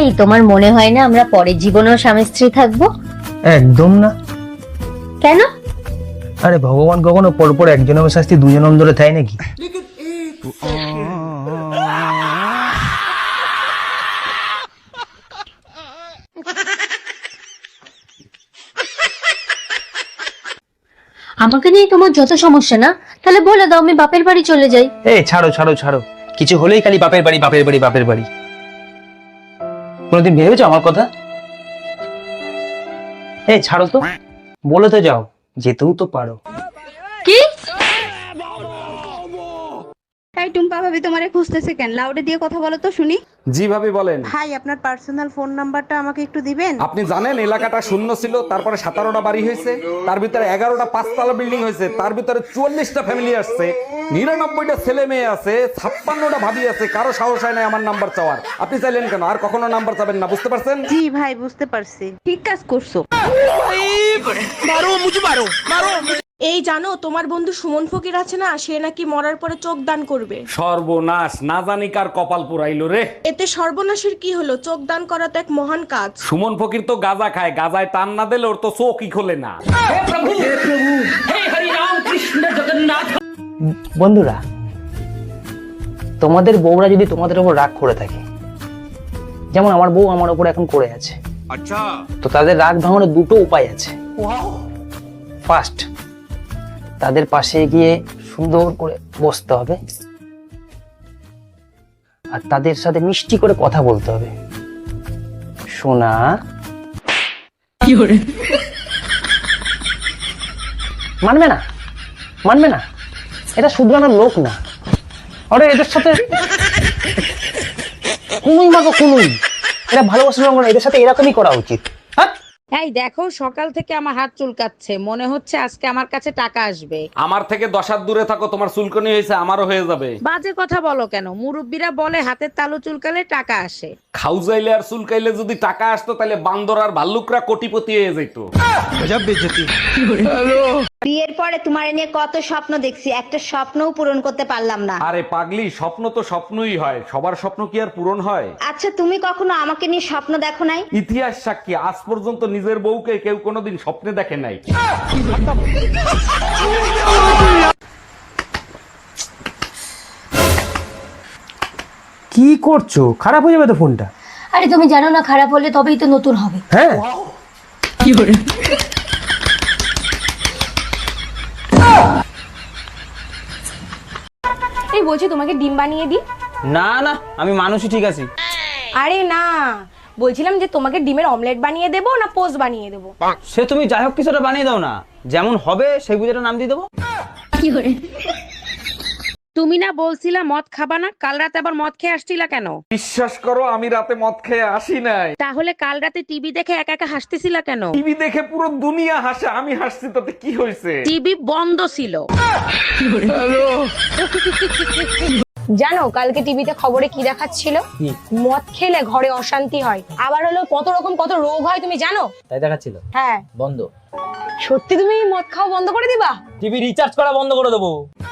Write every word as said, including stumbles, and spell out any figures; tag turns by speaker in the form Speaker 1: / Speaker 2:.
Speaker 1: এই তোমার মনে হয় না আমরা পরের জীবনেও স্বামী স্ত্রী থাকবো?
Speaker 2: একদম না।
Speaker 1: কেন?
Speaker 2: আরে ভগবান কখনো পরপর একজনের শাস্তি দুজনের ধরে দেয় নাকি?
Speaker 1: আমাকে নিয়ে তোমার যত সমস্যা না, তাহলে বলে দাও আমি বাপের বাড়ি চলে যাই।
Speaker 2: এই ছাড়ো ছাড়ো ছাড়ো, কিছু হলেই খালি বাপের বাড়ি বাপের বাড়ি বাপের বাড়ি। কোনোদিন ভেবেছো আমার কথা? এই ছাড়ো তো, বলে তো যাও, যেতেও তো পারো।
Speaker 1: কি?
Speaker 3: এই টুম্পা ভাবি তোমারে খুঁজতেছে কেন? লাউডে দিয়ে কথা বলো তো শুনি।
Speaker 4: জি ভাবি বলেন।
Speaker 3: ভাই আপনার পার্সোনাল ফোন নাম্বারটা আমাকে একটু দিবেন?
Speaker 4: আপনি জানেন এলাকাটা শূন্য ছিল, তারপরে সতেরোটা বাড়ি হয়েছে, তার ভিতরে এগারোটা পাঁচতলা বিল্ডিং হয়েছে, তার ভিতরে চুয়াল্লিশটা ফ্যামিলি আসছে, নিরানব্বইটা ছেলে মেয়ে আছে, ছাপ্পান্নটা ভাবি আছে, কারো সাহস হয় না আমার নাম্বার চাওয়ার। আপনি চাইলেন কেন? আর কখনো নাম্বার চাবেন না, বুঝতে পারছেন?
Speaker 3: জি ভাই বুঝতে পারছি, ঠিক কাজ করছো।
Speaker 5: এই জানো তোমার বন্ধু সুমন ফকির আছে না, সে নাকি মরার পরে চোখ দান করবে।
Speaker 4: সর্বনাশ, না জানি কার কপাল পুরাইলো রে।
Speaker 5: এতে সর্বনাশের কি হলো? চোখ দান করা তো এক মহান কাজ।
Speaker 4: সুমন ফকির তো গাঁজা খায়, গাঁজায় টান না দিলে ওর তো চোখই খোলে না।
Speaker 2: বন্ধুরা, তোমাদের বউরা যদি তোমাদের উপর রাগ করে থাকে, যেমন আমার বউ আমার উপর এখন করে আছে, তো তাদের রাগ ভাঙানোর দুটো উপায় আছে। ফার্স্ট, তাদের পাশে গিয়ে সুন্দর করে বসতে হবে আর তাদের সাথে মিষ্টি করে কথা বলতে হবে। সোনা, মানবে না মানবে না, এটা শুধরানোর লোক না। আরে এদের সাথে কুনুই মাগো কুনুই, এটা ভালোবাসার রঙ না, এদের সাথে এরকমই করা উচিত। হ্যাঁ,
Speaker 6: এই দেখো সকাল থেকে আমার হাত চুলকাচ্ছে, মনে হচ্ছে আজকে আমার কাছে টাকা আসবে।
Speaker 4: আমার থেকে দশ হাত দূরে থাকো, তোমার চুলকনি হয়েছে, আমারও হয়ে যাবে।
Speaker 6: বাজে কথা বলো কেন? মুরব্বীরা বলে হাতের তালু চুলকালে টাকা আসে।
Speaker 4: খাউজাইলে আর চুলকাইলে যদি টাকা আসতো তাহলে বান্দর আর ভাল্লুকরা কোটিপতি হয়ে যেত।
Speaker 7: বিয়ের পরে তোমার নিয়ে কত স্বপ্ন দেখছি, একটা স্বপ্নও পূরণ করতে পারলাম না।
Speaker 4: আরে পাগলি, স্বপ্ন তো স্বপ্নই হয়, সবার স্বপ্ন কি আর পূরণ হয়?
Speaker 7: আচ্ছা তুমি কখনো আমাকে নিয়ে স্বপ্ন দেখো নাই?
Speaker 4: ইতিহাস সাক্ষী, আজ পর্যন্ত নিজের বউকে কেউ কোনোদিন স্বপ্নে দেখে নাই।
Speaker 2: কি করছো? খারাপ হয়ে যাবে তো ফোনটা।
Speaker 1: আরে তুমি জানো না, খারাপ হলে তবেই তো নতুন হবে।
Speaker 2: হ্যাঁ,
Speaker 5: এই বলছি তোমাকে ডিম বানিয়ে দিই?
Speaker 2: না না, আমি মানুষই ঠিক আছি।
Speaker 5: আরে না, বলছিলাম যে তোমাকে ডিমের অমলেট বানিয়ে দেবো না পোস্ট বানিয়ে দেবো?
Speaker 2: সে তুমি যাই হোক কিছুটা বানিয়ে দাও না, যেমন হবে সেই বুঝে নাম দিয়ে দেবো।
Speaker 6: তুমি না বলছিলা মদ খাবা না, কাল রাতে আবার মদ খেয়ে আসছিলা কেন?
Speaker 4: বিশ্বাস করো, আমি রাতে মদ খেয়ে আসি নাই।
Speaker 6: তাহলে কাল রাতে টিভি দেখে একা একা হাসতেছিলা কেন?
Speaker 4: টিভি দেখে পুরো দুনিয়া হাসে, আমি হাসছি তাতে কি হয়েছে?
Speaker 6: টিভি বন্ধ ছিল।
Speaker 5: জানো কালকে টিভিতে খবরে কি দেখাচ্ছিল? মদ খেলে ঘরে অশান্তি হয়, আবার হলো কত রকম কত রোগ হয়, তুমি জানো?
Speaker 2: তাই দেখাচ্ছিল?
Speaker 5: হ্যাঁ।
Speaker 2: বন্ধ।
Speaker 5: সত্যি তুমি মদ খাওয়া বন্ধ করে দিবা?
Speaker 2: টিভি রিচার্জ করা বন্ধ করে দেবো।